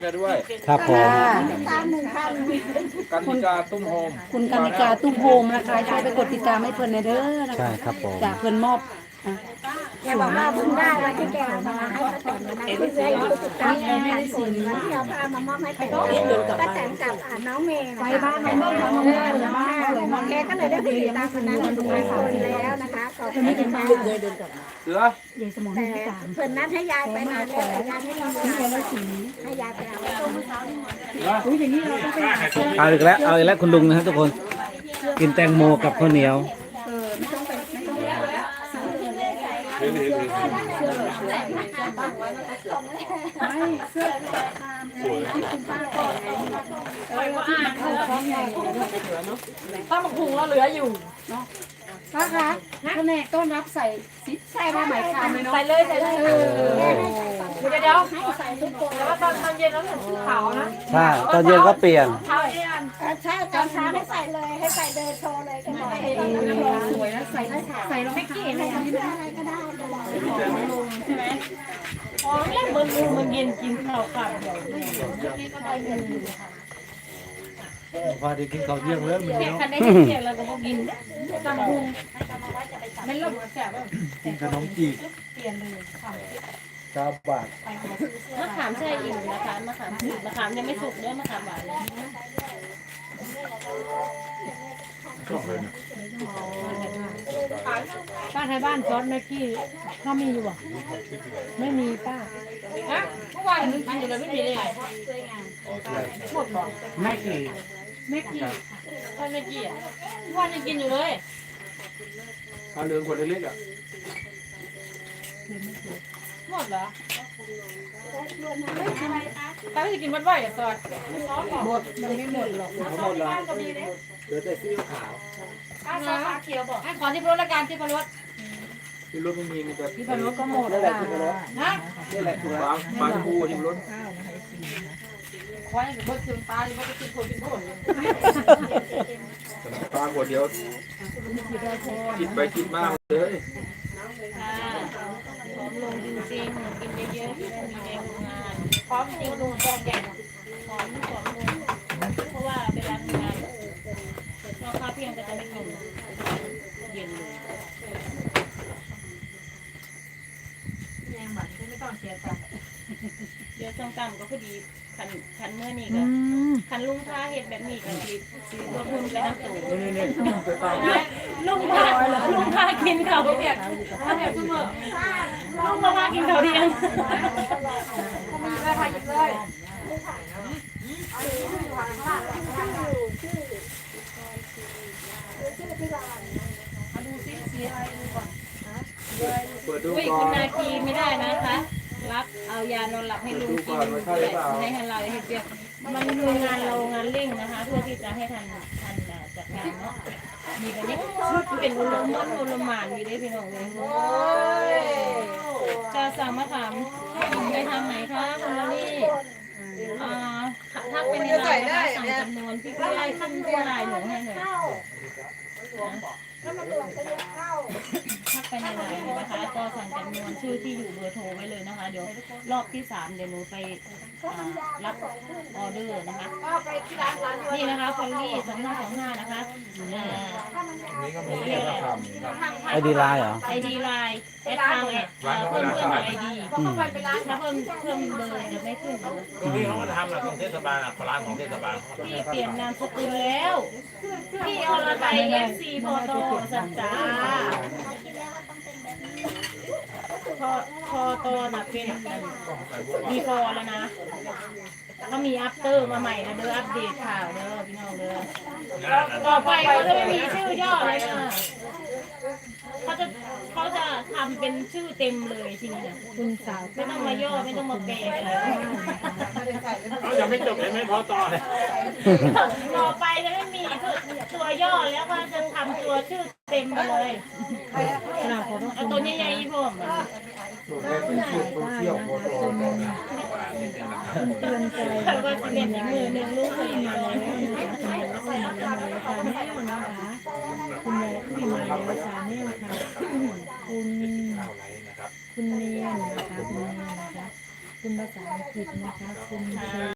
ด้วยครับผมกันนิกาตุ้มโฮมคุณกานิกาตุ้มโฮมนะคะช่วยไปกดติดตามให้เพื่อนในเด้อนะใช่คะครับผมจากเพื่อนมอบอ่ะแกบอกว่าเพิ่งได้วันที่แกเอามาให้ป้าแตนนะที่เรื่อยติดตามงานผลวันที่เอาพามามอบให้ป้าแตนกับน้องเมย์ไปบ้านน้องเมย์น้องเมย์แกก็เลยได้ไปติดตามคนนั้นทุกคนแล้วนะคะขอบคุณมากเสือยายสมองแต่ที่สามเพื่อนนัดให้ยายไปนานแล้วแต่ยายไม่มีเวลาให้ยายไปเอาอุ้ยอย่างนี้เราต้องไปหาเอาอีกแล้วเอาอีกแล้วคุณลุงนะครับทุกคนกินแตงโมกับข้าวเหนียวป้าหมกหุงเราเหลืออยู่เนาะป้าคะแผนกต้อนรับใส่ผ้าไหมคามเลยเนาะใส่เลยเดี๋ยวให้ใส่ทุกคนแล้วตอนเย็นแล้วเหมือนชุดขาวนะใช่ตอนเย็นก็เปลี่ยนใช่ตอนเช้าให้ใส่เลยให้ใส่เดินโชว์เลยก็ได้สวยนะใส่รองเท้าอะไรก็ได้ใช่ไหมอ๋อแล้วมันเย็นกินข้าวขาดเดี๋ยวพอดีกินข้าวเยี่ยงแล้วมันแค่คันได้เที่ยงเราก็พอกินตำพุงไม่ลงแสบกินขนมจีบเปลี่ยนเลยค่ะ 9 บาทมะขามแช่อิ่มนะคะมะขามสุกมะขามยังไม่สุกด้วยมะขามหวานเลยป้าไทยบ้านซอสแม็กกี้เขามีอยู่อ่ะไม่มีป้าฮะเมื่อวานมันอยู่เลยไม่มีเลยหมดบอกแม่กี่แม็กกี้ท่านเมื่อกี้อ่ะเมื่อวานยังกินอยู่เลยเอาเรืองขวดเล็กๆอ่ะหมดเหรอตาไม่ได้กินบ่อยๆอ่ะซอสหมดมันไม่หมดหรอกหมดแล้วเหลือแต่ซีอิ๊วขาวป้าซอสปลาเขียวบอกให้ขอที่พรสละกันที่พรสที่รถไม่มีมีแต่ที่พนุก็หมดนี่แหละที่รถนะนี่แหละคือปลาทูที่รถควายกับเบิร์ดซึมปลาหรือว่าจะกินคนกินผลปลาขวดเดียวคิดไปคิดมากเลยค่ะพร้อมลงจริงๆกินเยอะๆจะได้มีแรงทำงานพร้อมจริงลงแรงใหญ่พร้อมลงเพราะว่าเวลาทำงานเราข้าวเพียงก็จะไม่กินเย็นเลยเดี๋ยวส้มตำก็พอดีคันเมื่อนี่ก็คันลุงพาเห็ดแบบนี้ก็สีรวมไปน้ำตูลุงพากินเขาเปียกเขาเปียกเสมอลุงพากินเขาเดียงได้ค่ะหยิบเลยมาดูซิสีอะไรดูก่อนเปิดดูอุ้ยก่อคุณนนาคีไม่ได้นะคะ รับเอายานอนหลับให้ลุงกินให้เราให้เปียกมันมีงานเรางานเร่งนะคะ เพื่อที่จะให้ทันจัดงานเนาะมีแบบนี้เป็นอุลมอนอุลมานมีได้พี่น้องเลยจะสั่งมะขามไปทางไหนคะคุณลลี่ทักไปในไลน์นะคะสั่งจำนวนพี่ก็ได้ขึ้นตัวไลน์หนูให้หน่อยทักไปในไลน์นะคะก็สั่งจำนวนชื่อที่อยู่เบอร์โทรไว้เลยนะคะเดี๋ยวรอบที่3เดี๋ยวหนูไปรับออเดอร์นะคะนี่นะคะฟอลลี่2525นะคะไอดีไลน์เหรอไอดีไลน์แอดทางเพิ่มไอดีถ้าเพิ่มเบอร์จะไม่ขึ้นเบอร์ที่เขามาทำของเทศบาลร้านของเทศบาลพี่เปลี่ยนนามสกุลแล้วพี่อรไทย FC โฟโต้สัจจาพอโตนะเป็นมีฟอแล้วนะก็มีอัปเตอร์มาใหม่นะเด้ออัปเดตข่าวเด้อพี่น้องเด้อต่อไปเขาจะไม่มีชื่อย่อเลยนะเขาจะทำเป็นชื่อเต็มเลยทีนี้นะคุณสาวไม่ต้องมาย่อไม่ต้องมาแปลอะไรเขายังไม่จบเลยไม่พอต่อเลยต่อไปจะไม่มีตัวย่อแล้วก็จะทำตัวชื่อเต็มไปเลยเอาตัวใหญ่ๆผมแต่ว่าจะเป็นอีกมือหนึ่งลูกคนมาเลยคุณแม่คุณมาแล้วสาแนลค่ะคุณเนียนนะคะคุณเนียนนะคะคุณภาษาอังกฤษนะคะคุณ